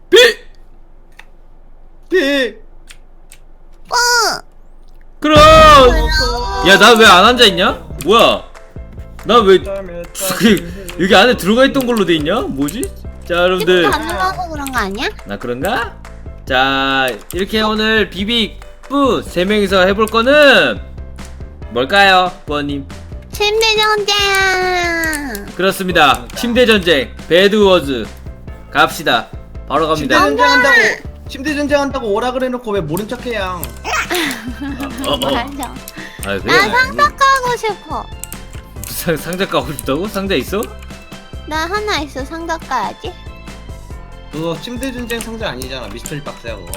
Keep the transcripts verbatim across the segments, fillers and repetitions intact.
비! 비! 어! 그럼! 야, 나 왜 안 앉아있냐? 뭐야? 나 왜 여기 안에 들어가 있던 걸로 돼 있냐? 뭐지? 자, 여러분들. 안 들어가서 그런 거 아니야? 나 그런가? 자, 이렇게 오늘 비빅뿌 세 명이서 해볼 거는 뭘까요, 부어님? 침대 전쟁! 그렇습니다. 침대 전쟁, 배드워즈 갑시다. 바로 침대 갑니다. 전쟁한다고 침대 전쟁한다고 오라 그래놓고 왜 모른 척해요? 어, 어. 맞아. 아, 그래? 나 상자 까고 싶어. 상, 상자 까고 싶다고? 상자 있어? 나 하나 있어. 상자 까야지. 그거 침대 전쟁 상자 아니잖아. 미스터리 박스야 그거.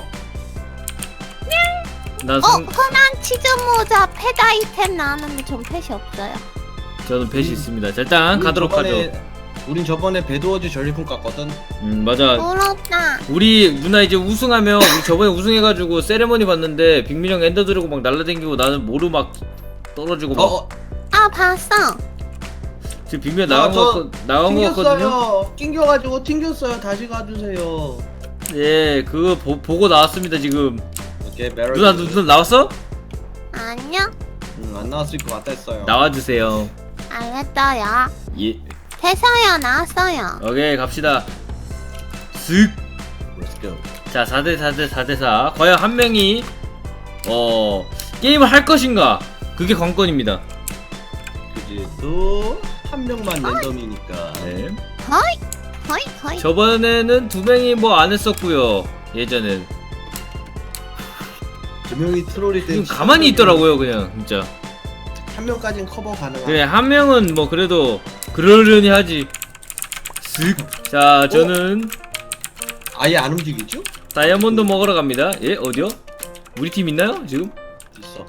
나 어, 상, 흔한 치즈 모자 펫 아이템 나왔는데 전 펫이 없어요. 저는 펫이 있습니다. 자, 일단 우린 가도록 저번에, 하죠. 우린 저번에 배드워즈 전리품 깠거든. 음, 맞아. 부럽다. 우리 누나 이제 우승하면 우리 저번에 우승해가지고 세레머니 봤는데 빅민형 엔더 들고 막 날라다니고 나는 모루 막 떨어지고 막 어, 어. 아, 봤어. 지금 빅민형 아, 나간 저 거 나간 거 같거든요. 튕겼어요. 튕겨가지고 튕겼어요. 다시 가주세요. 예, 그거 보, 보고 나왔습니다 지금. 오케이, 메럴. 누나 누나 나왔어? 아니요. 응, 안 나왔을 것 같다 했어요. 나와주세요. 알겠어요. 예. 됐어요. 나왔어요. 오케이 갑시다. 쓱. Let's go. 자, 사 대 사 대 사 대 사. 과연 한 명이 어 게임을 할 것인가? 그게 관건입니다. 그지. 또 한 명만 랜덤이니까. 네. 허이, 허이, 허이. 저번에는 두 명이 뭐 안 했었고요. 예전엔. 두 명이 트롤일 때 지금 가만히 있더라고요, 그냥 진짜. 한 명까지는 커버 가능한. 그래, 한 명은 뭐 그래도 그러려니 하지. 쓱. 자, 저는 아예 안 움직이죠? 다이아몬드 먹으러 갑니다. 예, 어디요? 우리 팀 있나요, 지금? 있어.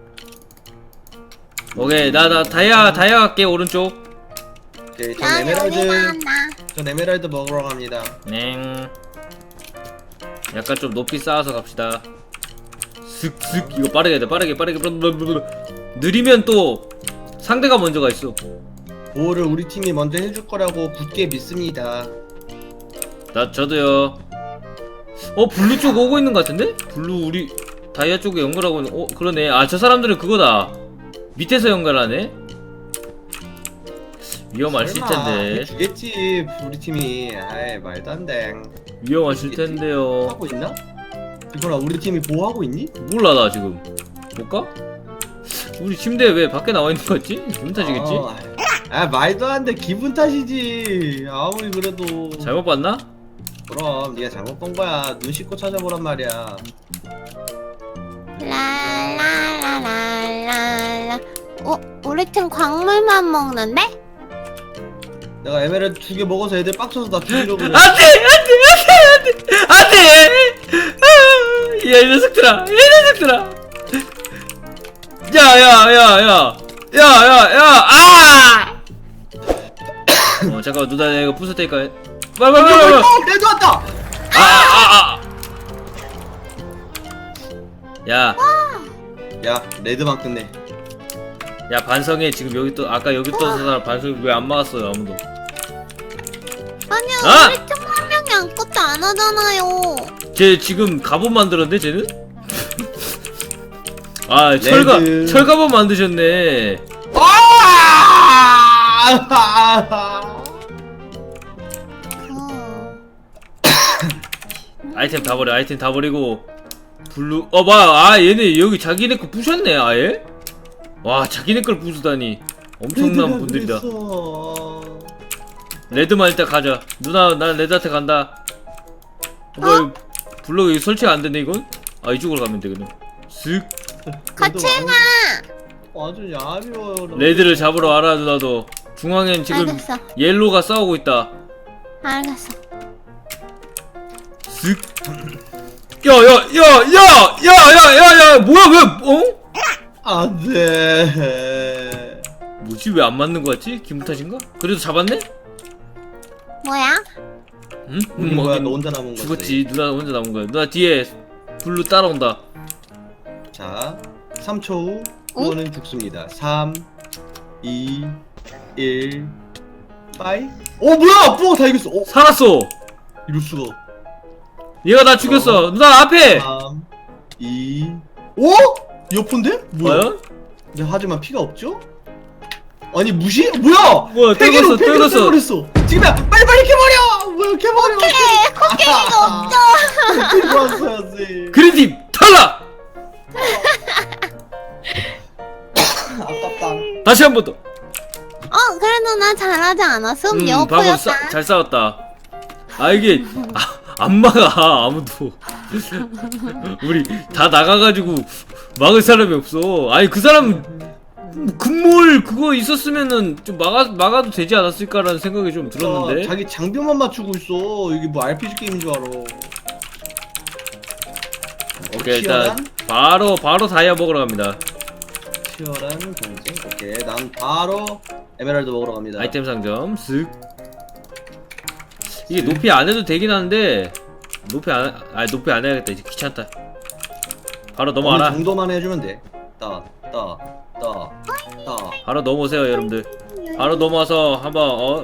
오케이, 나, 나 다이아, 다이아 갈게, 오른쪽. 오케이, 전 나 여기 에메랄드, 간다. 전 에메랄드 먹으러 갑니다. 냉. 약간 좀 높이 쌓아서 갑시다. 슥슥. 이거 빠르게 해야 돼, 빠르게, 빠르게. 느리면 또 상대가 먼저 가 있어. 보호를 우리 팀이 먼저 해줄 거라고 굳게 믿습니다. 나, 저도요. 어, 블루 쪽 오고 있는 것 같은데? 블루 우리 다이아 쪽에 연결하고 있는, 어, 그러네. 아, 저 사람들은 그거다. 밑에서 연결하네? 위험하실 설마 텐데. 해주겠지 우리 팀이. 아이 말도 안 돼. 위험하실 텐데요. 하고 있나? 이거라 우리 팀이 보호하고 있니? 몰라, 나 지금. 볼까? 우리 침대 왜 밖에 나와 있는 거지? 기분 탓이겠지? 아, 아 말도 안 돼. 기분 탓이지. 아무리 그래도. 잘못 봤나? 그럼 네가 잘못 본 거야. 눈 씻고 찾아보란 말이야. 라라라라라. 어, 우리 팀 광물만 먹는데? 내가 에메랄드 두 개 먹어서 애들 빡쳐서 나 죽이려고 그래. 안돼! 안돼! 안돼! 안돼! 안돼! 야, 이 녀석들아! 이 녀석들아! 야, 야, 야, 야! 야, 야, 야! 아! 어, 잠깐만, 누나 내가 이거 부술 테니까. 빨리, 빨리, 빨리, 빨리! 어, 레드 왔다. 아, 아, 아! 야, 야 레드만 끝내. 야, 반성해. 지금 여기 또, 아까 여기 또 사람 반성 왜 안 막았어요, 아무도. 아니요, 아! 우리 팀 한 명이 아무것도 안 하잖아요. 쟤 지금 갑옷 만들었네, 쟤는? 아, 철가, 레드. 철갑옷 만드셨네. 아! 어. 아이템 다 버려, 아이템 다 버리고. 블루, 어, 뭐야. 아, 얘네 여기 자기네 거 부셨네, 아예? 와, 자기네 걸 부수다니. 엄청난 분들이다. 그랬어. 레드만 일단 가자. 누나, 난 레드한테 간다. 어, 뭐, 어? 블록 여기 설치가 안 되네, 이건? 아, 이쪽으로 가면 되거든. 쓱. 같이 가. 아주 야비워요. 레드를 잡으러 와라, 누나도. 중앙엔 지금 알겠어. 옐로가 싸우고 있다. 알겠어. 쓱. 야, 야, 야, 야, 야, 야, 야, 야, 뭐야, 왜, 어? 안돼. 뭐지, 왜 안 맞는 거 같지? 기분 탓인가? 그래도 잡았네? 뭐야? 응? 우리 뭐, 뭐야 하긴 너 혼자 남은 거지. 죽었지. 누나 혼자 남은 거야. 누나 뒤에 블루 따라온다. 자, 삼 초 후 어? 그거는 죽습니다. 삼, 이, 일, 빠이. 어 뭐야? 뽀 다 이겼어. 어 살았어. 이럴 수가. 얘가 나 죽였어. 누나 앞에. 삼, 이, 오? 여폰데? 뭐야? 네, 하지만 피가 없죠? 아니 무시? 뭐야? 뭐야, 폐기로 떨궜어, 폐기로 떨궜어. 떼버렸어. 지금이야 빨리 빨리 캐버려. 뭐야 캐버려. 에 코끼리가 없어. 들고 왔어야지. 그린팀 탈락. 아깝다. 다시 한 번 더. 어 그래도 나 잘하지 않았음. 음, 방금 여포였다. 싸, 잘 싸웠다. 아 이게 아, 안 막아 아무도. 우리 다 나가가지고 막을 사람이 없어. 아니 그 사람 금몰 그거 있었으면은 좀 막아 막아도 되지 않았을까라는 생각이 좀 들었는데. 어, 자기 장비만 맞추고 있어. 이게 뭐 알피지 게임인 줄 알아. 오케이 일단 치열한? 바로 바로 다이아 먹으러 갑니다. 치열한 경쟁. 오케이 난 바로 에메랄드 먹으러 갑니다. 아이템 상점 쓱. 이게 높이 안 해도 되긴 하는데 높이 안 아 높이 안 해야겠다. 이제 귀찮다. 바로 어느 넘어와라. 정도만 해주면 돼. 따, 따, 따, 따. 바로 넘어오세요 여러분들. 바로 넘어와서 한번 어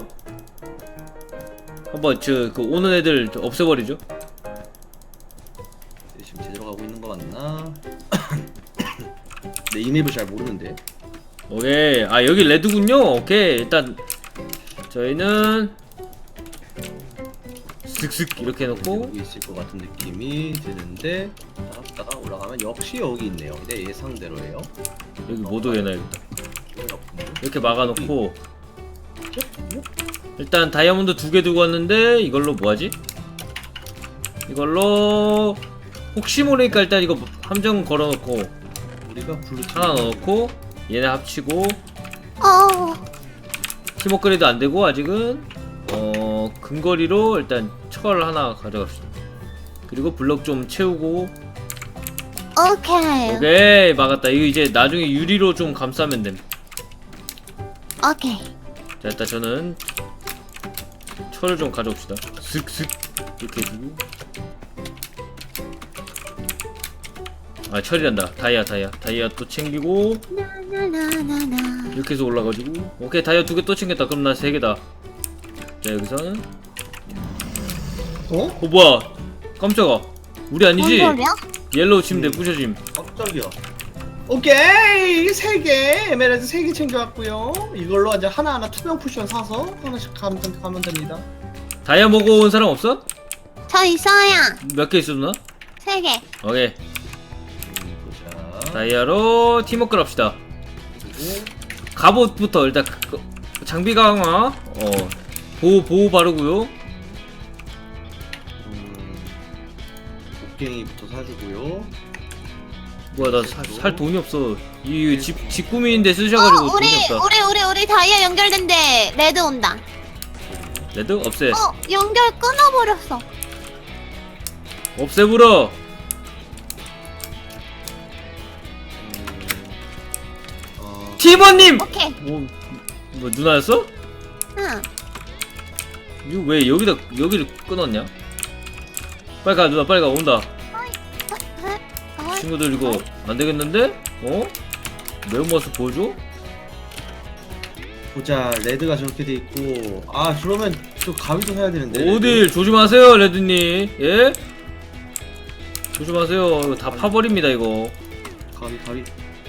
한번 저 그 오는 애들 없애버리죠. 지금 제대로 가고 있는 거 맞나? 내 이맵을 잘 모르는데. 오케이. 아 여기 레드군요. 오케이 일단 저희는 슥슥 이렇게 해놓고 여기 있을 것 같은 느낌이 드는데 따라 올라가면 역시 여기 있네요. 내 예상대로예요. 여기 못 오게 해놔야겠다. 이렇게 막아놓고 일단 다이아몬드 두 개 두고 왔는데 이걸로 뭐하지? 이걸로 혹시 모르니까 일단 이거 함정 걸어놓고 우리가 블루 하나 넣어놓고 얘네 합치고 어. 팀워크레도 안되고 아직은 어 근거리로 일단 철 하나 가져갑시다. 그리고 블럭 좀 채우고 오케이. 오케이 막았다. 이거 이제 나중에 유리로 좀 감싸면 됨. 오케이. 자 일단 저는 철을 좀 가져옵시다. 슥슥 이렇게 해주고 아 철이란다. 다이아 다이아 다이아 또 챙기고 나나나나나. 이렇게 해서 올라가지고 오케이 다이아 두 개 또 챙겼다. 그럼 나 세 개다. 자 여기서는 어? 어 뭐야 깜짝아 우리 아니지? 뭔 소리야? 옐로우 침대 부셔짐. 깜짝이야. 오케이 세 개 에메랄드 세 개 챙겨왔고요. 이걸로 이제 하나하나 투명 쿠션 사서 하나씩 가면, 가면 됩니다. 다이아 먹어온 사람 없어? 저 있어요. 몇 개 있어 누나? 세 개. 오케이 음, 보자. 다이아로 팀워크를 합시다. 그리고 갑옷부터 일단 그- 그 장비 강화 어 보호 보호 바르고요. 음, 곡괭이부터 사주고요. 뭐야 나 살 돈이 없어. 이 집 집구미인데 쓰셔가지고 어 우리 돈이 없다. 우리 우리 우리 다이아 연결된대. 레드 온다. 레드 없애. 어 연결 끊어버렸어. 없애불어. 어, 팀원님. 오케이. 뭐, 뭐 누나였어? 응. 이거 왜 여기다 여기를 끊었냐? 빨리 가 누나 빨리 가 온다. 어, 친구들 이거 안 되겠는데? 어? 매운맛을 보여줘? 보자 레드가 저렇게 돼 있고 아 그러면 저 가위도 사야 되는데. 어딜 조심하세요 레드님. 예? 조심하세요. 이거 다 파버립니다 이거. 가위 가위.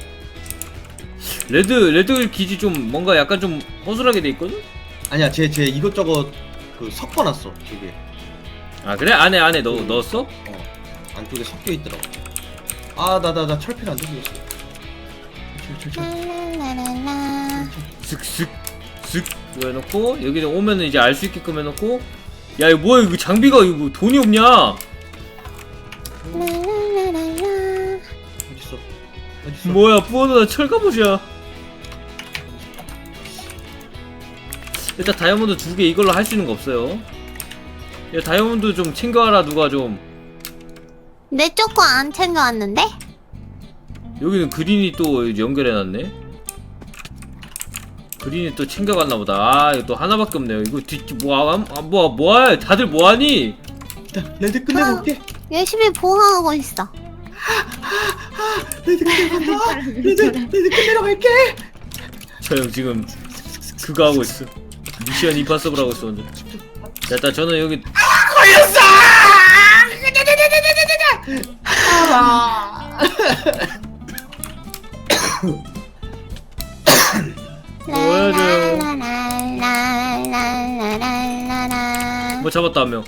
레드 레드 기지 좀 뭔가 약간 좀 허술하게 돼 있거든? 아니야 쟤 쟤 이것저것 그 섞어놨어 되게. 아 그래? 안에 안에 넣, 넣었어? 어 안쪽에 섞여 있더라고. 아 나 나 나 철필 안 들렸어. 철철철. 랄랄랄라. 슥슥 슥 이거 해놓고 여기 오면은 이제 알 수 있게끔 해놓고 야 이거 뭐야 이거 장비가 이거 돈이 없냐? 랄랄랄랄라. 어딨어? 어딨어? 뭐야 뿌어누나 철갑옷이야. 일단 다이아몬드 두 개 이걸로 할 수 있는 거 없어요. 야 다이아몬드 좀 챙겨와라 누가 좀. 내 쪽 거 안 챙겨왔는데? 여기는 그린이 또 연결해놨네. 그린이 또 챙겨갔나보다. 아 이거 또 하나밖에 없네요. 이거 뒤 뭐야 아, 뭐야 뭐야 다들 뭐하니? 일단 레드 끝내고 올게. 열심히 보호하고 있어. 레드 끝내고 간다. 레드 레드 끝내러 갈게. 저 형 지금 그거 하고 있어. 미션 임파서블 하고 있어. 완전. 자, 일단 저는 여기 걸렸어. 잡았다 한 명.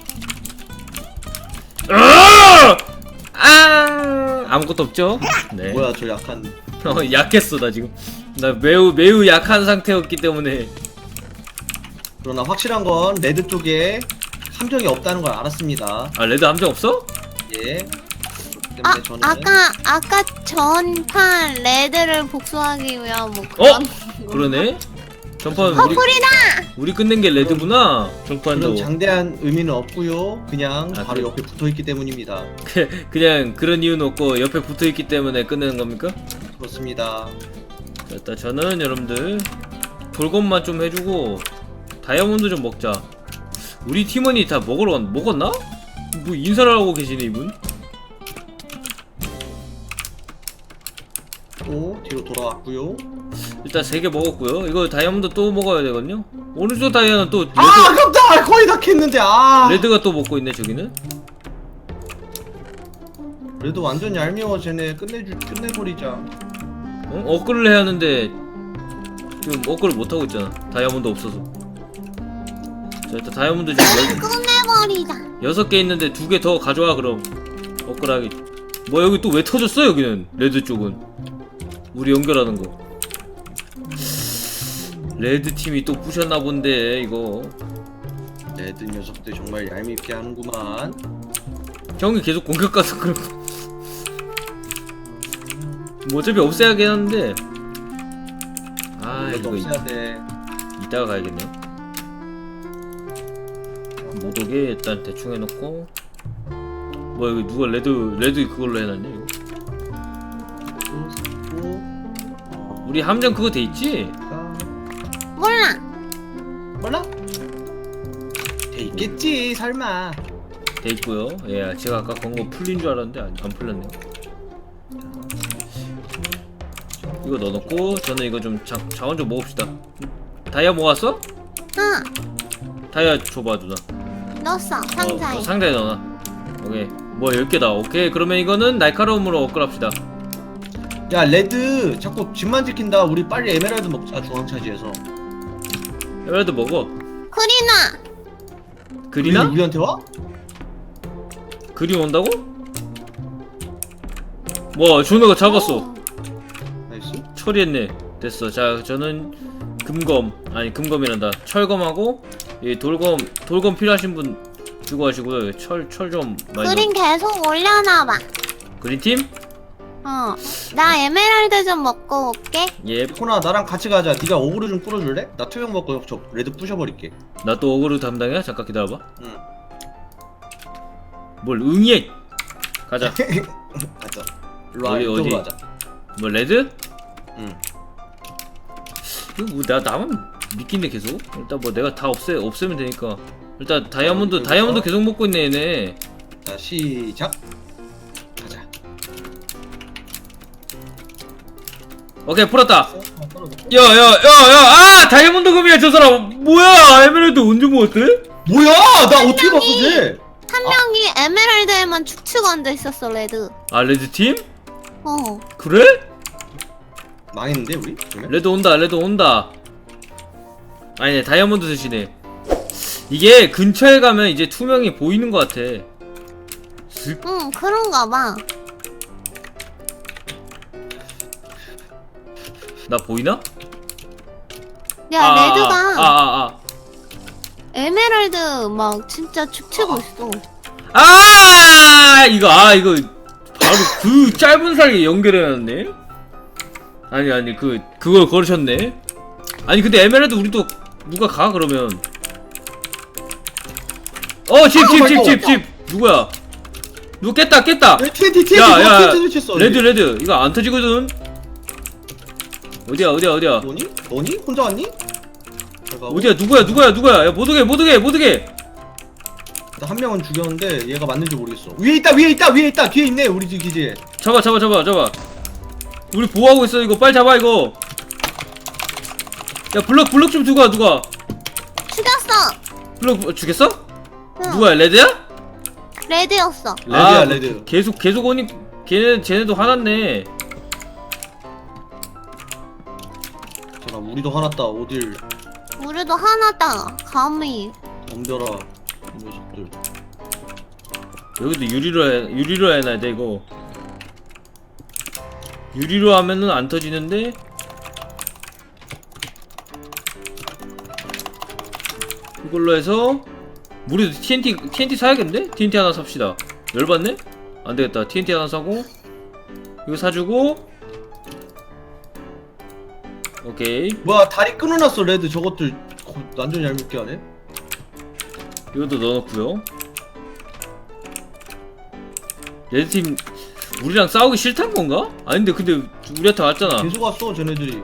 아! 아! 아무것도 없죠? 네. 뭐야 저 약한. 어, 약했어 나 지금. 나 매우 매우 약한 상태였기 때문에. 그러나 확실한 건 레드 쪽에 함정이 없다는 걸 알았습니다. 아 레드 함정 없어? 예. 아 때문에 저는 아까 아까 전판 레드를 복수하기 위한 뭐 어? 그런 그러네. 전판 우리 커플이다. 우리 끝낸 게 레드구나. 전판도 그런 장대한 의미는 없고요. 그냥 아, 바로 그래. 옆에 붙어 있기 때문입니다. 그냥 그런 이유는 없고 옆에 붙어 있기 때문에 끝내는 겁니까? 그렇습니다. 자, 일단 저는 여러분들 돌검만 좀 해주고 다이아몬드 좀 먹자. 우리 팀원이 다 먹으러 갔, 먹었나? 뭐 인사를 하고 계시네 이분. 또 뒤로 돌아왔고요. 일단 세 개 먹었고요. 이거 다이아몬드 또 먹어야 되거든요. 오른쪽 다이아는 또 레드, 아 아깝다. 거의 다 캤는데. 아 레드가 또 먹고 있네 저기는. 그래도 완전 얄미워. 쟤네 끝내주 끝내버리자. 어? 업글을 해야 하는데 지금 업글을 못하고 있잖아. 다이아몬드 없어서. 자 일단 다이아몬드 지금 끝내버리자. 여섯 개 있는데 두 개 더 가져와 그럼. 업글하기. 뭐 여기 또 왜 터졌어 여기는 레드 쪽은. 우리 연결하는 거. 레드 팀이 또 부셨나 본데 이거. 레드 녀석들 정말 얄밉게 하는구만. 형이 계속 공격 가서 그런 거. 뭐 어차피 없애야긴 하는데. 아 이것도 이거 없애야 돼. 이따가 가야겠네. 못 오게 일단 대충 해놓고. 뭐 여기 누가 레드 레드 그걸로 해놨냐 이거. 또 샀고. 어, 우리 함정 그거 돼 있지? 몰라. 몰라? 돼 있겠지 설마. 돼 있고요. 예, 제가 아까 건 거 풀린 줄 알았는데 안, 안 풀렸네요. 이거 넣어놓고 저는 이거 좀 자, 자원 좀 모읍시다. 다이아 모았어? 응. 다이아 줘봐 누나. 넣었어 상자에. 어, 상자에 넣어놔. 오케이. 뭐 열 개다. 오케이. 그러면 이거는 날카로움으로 업글합시다. 야 레드 자꾸 집만 지킨다. 우리 빨리 에메랄드 먹자. 중앙차지에서. 에메랄드 먹어. 크리나. 그리나? 우리, 우리한테 와? 그리 온다고? 뭐 준호가 잡았어. 오. 나이스. 처리했네. 됐어. 자 저는 금검 아니 금검이란다. 철검하고 이 돌검 돌검 필요하신 분 주고 하시고요. 철 철 좀 많이. 그린 계속 올려놔봐. 그린 팀? 어. 나 에메랄드 좀 먹고 올게. 예. 코나 나랑 같이 가자. 네가 오그로 좀 끌어줄래? 나 투명 먹고 저 레드 부셔버릴게. 나 또 어그로 담당이야? 잠깐 기다려봐. 응. 뭘 응이해? 가자. 가자. 일로 와. 어디, 이쪽으로 어디? 가자. 뭐 레드? 응. 이거 뭐 나 나만 믿긴데 계속? 일단 뭐 내가 다 없애 없애면 되니까. 일단 다이아몬드 어, 다이아몬드 여기서? 계속 먹고 있네 얘네. 자 시작. 가자. 오케이 풀었다. 어, 떨어졌고. 야야야야 아 다이아몬드 금이야 저 사람. 뭐야 에메랄드 언제 먹었대? 뭐야? 나 어떻게 봤어 쟤? 한 명이 에메랄드에만 축축 앉아 있었어 레드. 아 레드 팀? 어. 그래? 망했는데 우리? 그러면? 레드 온다 레드 온다. 아니네 다이아몬드 드시네. 이게 근처에 가면 이제 투명이 보이는 것 같아. 슥. 응 그런가 봐. 나 보이나? 야 아, 레드가 아, 아, 아. 에메랄드 막 진짜 축치고 있어. 아 이거 아 이거 바로 그 짧은 사이에 연결해놨네. 아니 아니 그 그걸 걸으셨네. 아니 근데 에메랄드 우리도 누가 가 그러면. 어 집 집 집 집 집 누구야? 누구 깼다 깼다. 티엔티 티엔티 야야 티엔티 쳤어. 레드 레드 이거 안 터지거든. 어디야 어디야 어디야 너니? 너니? 혼자 왔니? 잘 가고. 어디야 누구야 누구야 누구야 야 못오게 못오게 못오게. 나 한 명은 죽였는데 얘가 맞는지 모르겠어. 위에 있다 위에 있다 위에 있다 뒤에 있네 우리 집 기지에. 잡아 잡아 잡아 잡아. 우리 보호하고 있어 이거 빨리 잡아 이거. 야 블럭 블럭 좀 두고 와 누가. 죽였어. 블럭 주겠어? 응. 누구야 레드야? 레드였어. 레드야 아, 레드. 계속 계속 오니 걔네 쟤네도 화났네. 잠깐 우리도 화났다. 어딜 우리도 하나다. 감히. 덤벼라. 이 녀석들. 여기도 유리로 해, 유리로 해놔야 돼 이거. 유리로 하면은 안 터지는데. 이걸로 해서 우리도 티엔티 티엔티 사야겠는데? 티엔티 하나 삽시다. 열받네? 안 되겠다. 티엔티 하나 사고 이거 사주고. 오케이. 뭐야 다리 끊어놨어 레드. 저것들 고- 완전 얄밉게 하네. 이것도 넣어놓고요. 레드팀 우리랑 싸우기 싫단 건가? 아닌데 근데 우리한테 왔잖아. 계속 왔어 쟤네들이.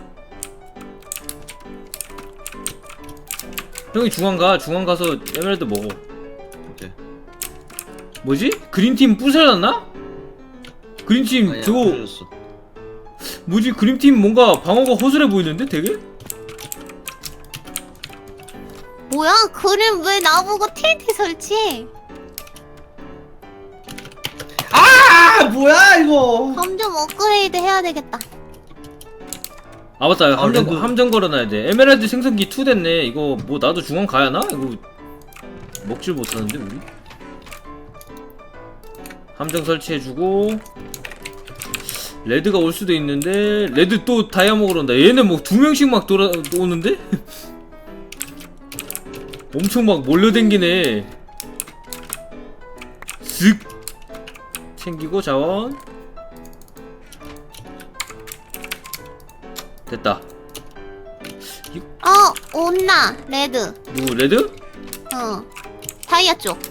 형이 중앙 가. 중앙 가서 에메랄드 먹어. 오케이. 뭐지? 그린팀 부서졌나? 그린팀 아니야, 저거 부서졌어. 뭐지? 그린팀 뭔가 방어가 허술해 보이는데 되게? 뭐야? 그림 왜 나보고 티엔티 설치해? 아 뭐야 이거. 점점 업그레이드 해야 되겠다. 아 맞다. 아, 함정 레드. 함정 걸어놔야 돼. 에메랄드 생성기 이 됐네. 이거 뭐 나도 중앙 가야 하나? 이거 먹질 못하는데 우리? 함정 설치해주고. 레드가 올 수도 있는데 레드 또 다이아 먹으러 온다. 얘는 뭐 두 명씩 막 돌아 오는데? 엄청 막 몰려댕기네. 쓱 챙기고 자원 됐다. 어, 온나 레드. 누구 레드? 어, 다이아 쪽.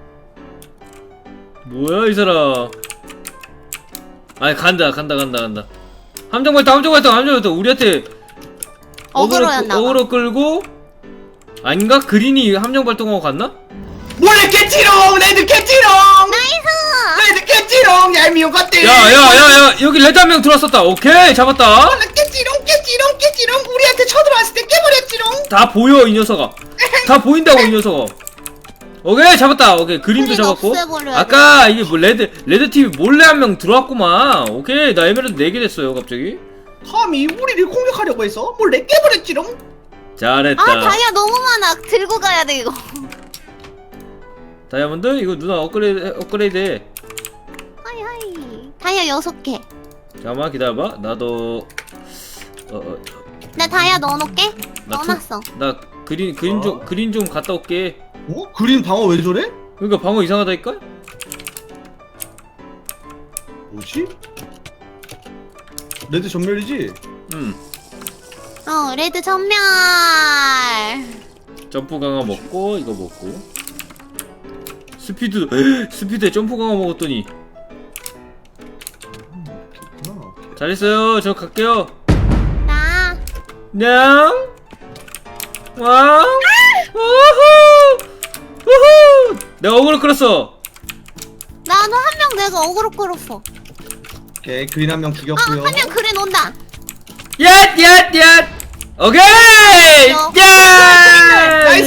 뭐야 이 사람. 아니 간다 간다 간다 간다. 함정 발동 함정 발동 함정 발동. 우리한테 어그로였나 봐. 어그로 끌고. 아닌가? 그린이 함정 발동하고 갔나? 몰래 깼지롱 레드 깼지롱. 나이스! 레드 깼지롱 얄미운 것들. 야야야야 여기 레드 한 명 들어왔었다. 오케이 잡았다. 몰래 깼지롱 깼지롱 깼지롱. 우리한테 쳐들어왔을 때 깨버렸지롱. 다 보여 이 녀석아. 다 보인다고 이 녀석아. 오케이 잡았다. 오케이 그린도 그린 잡았고. 없애버려야 아까 이게 뭐 레드 레드 팀이 몰래 한 명 들어왔구만. 오케이 나 에메랄드 네 개 됐어요 갑자기. 감히 우리를 공격하려고 해서 몰래 깨버렸지롱. 잘했다. 아, 다이아 너무 많아. 들고 가야 돼, 이거. 다이아몬드 이거 누나 업그레이드 업그레이드 해. 하이, 하이. 다이아 여섯 개. 잠깐만 기다려봐. 나도 어, 어, 나 다이아 넣어놓게? 나 투- 넣어놨어. 나 그린 그린 좀 어? 그린 좀 갔다 올게. 어? 그린 방어 왜 저래? 그러니까 방어 이상하다니까? 뭐지? 레드 전멸이지? 음. 어, 레드 전멸. 점프 강화 먹고 이거 먹고. 스피드 스피드에 점프 강화 먹었더니 그렇구나. 잘했어요. 저 갈게요. 나. 냥. 왕. 우후. 우후. 내가 어그로 끌었어. 나도 한 명 내가 어그로 끌었어. 오케이 그린 한 명 아, 죽였고요. 한 명 그린 온다. 얏! 얏! 얏! 오케이! 어. 야! 나이스!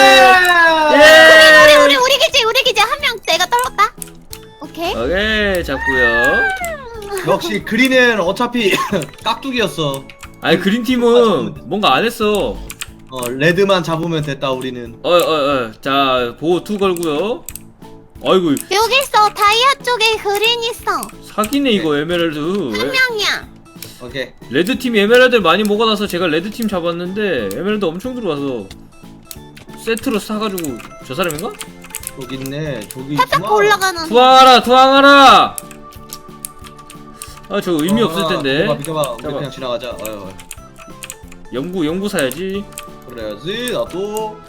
예! 우리, 우리, 우리 기지, 우리 기지. 한 명 내가 떨었다. 오케이. 오케이 잡고요. 역시 그린은 어차피 깍두기였어. 아니 그린 팀은 뭔가 안 했어. 어 레드만 잡으면 됐다 우리는. 어, 어, 어. 자, 보호 투 걸고요. 아이고, 여기 있어. 다이아 쪽에 그린 있어. 사기네 이거 에메랄드. 한 에- 명이야. 오케이. 레드 팀이 에메랄드를 많이 먹어놔서 제가 레드 팀 잡았는데 에메랄드 엄청 들어와서 세트로 사가지고 저 사람인가? 저기 있네. 저기 살짝 있구나. 올라가는. 투항하라, 투항하라. 아, 저 의미 없을 텐데. 비켜봐, 비켜봐. 우리 잠깐만. 그냥 지나가자. 어휴, 어휴. 연구, 연구 사야지. 그래야지. 나도.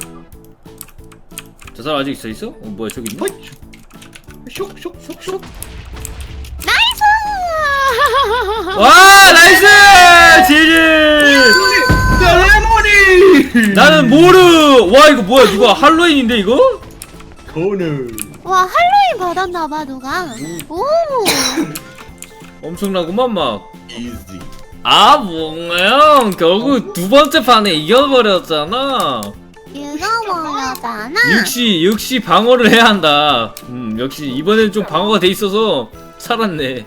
저 사람 아직 있어 있어? 어, 뭐야 저기 있네. 허이, 슉, 슉, 슉, 슉. 나이스! 와, 나이스! 지지! 레모니. 나는 모르. 와, 이거 뭐야? 누가 할로윈인데 이거? 코너. 와, 할로윈 받았나봐, 누가. 오! 엄청나구만 막. 이지. 아, 뭔가요? 결국 두 번째 판에 이겨버렸잖아. 읽어버렸잖아. 역시 역시 방어를 해야 한다. 음, 역시 이번에는 좀 방어가 돼 있어서 살았네.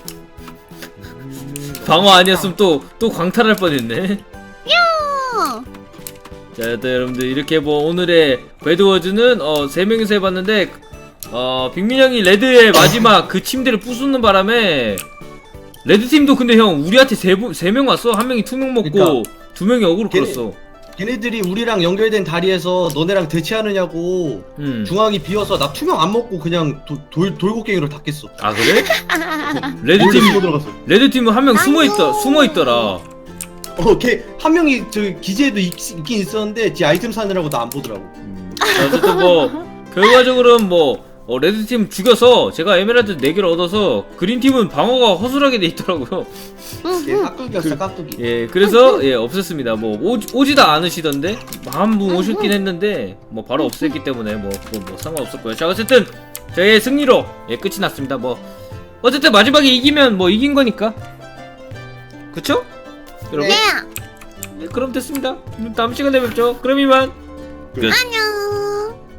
방어 아니었으면 또 또 광탈할 뻔했네. 야! 자, 일단 여러분들 이렇게 뭐 오늘의 배드워즈는 어 세 명이서 해봤는데 어 빅민 형이 레드의 마지막 그 침대를 부수는 바람에 레드 팀도 근데 형 우리한테 세세 명 왔어. 한 명이 투명 먹고 그러니까. 두 명이 어그로 걔네- 끌었어. 걔네들이 우리랑 연결된 다리에서 너네랑 대치하느냐고 음. 중앙이 비어서 나 투명 안 먹고 그냥 도, 돌 돌고갱이로 다 깼어. 아 그래? 레드 몰래 팀 숨어 들어갔어. 레드 팀은 한 명 숨어 있다 아이고. 숨어 있더라. 어, 걔 한 명이 저 기지에도 있, 있긴 있었는데 지 아이템 사느라고 나 안 보더라고. 음. 자, 어쨌든 뭐 결과적으로는 뭐 어, 레드 팀 죽여서 제가 에메랄드 네 개를 얻어서 그린 팀은 방어가 허술하게 돼 있더라고요. 걔 깍두기였어 깍두기. 예, 그래서 예 없앴습니다. 뭐 오, 오지도 않으시던데 한 분 오셨긴 했는데 뭐 바로 없앴기 때문에 뭐 그건 뭐 상관없었고요. 자 어쨌든 저의 승리로 예 끝이 났습니다. 뭐 어쨌든 마지막에 이기면 뭐 이긴 거니까 그쵸? 여러분 네. 예, 그럼 됐습니다. 그럼 다음 시간에 뵙죠. 그럼 이만 끝. 안녕.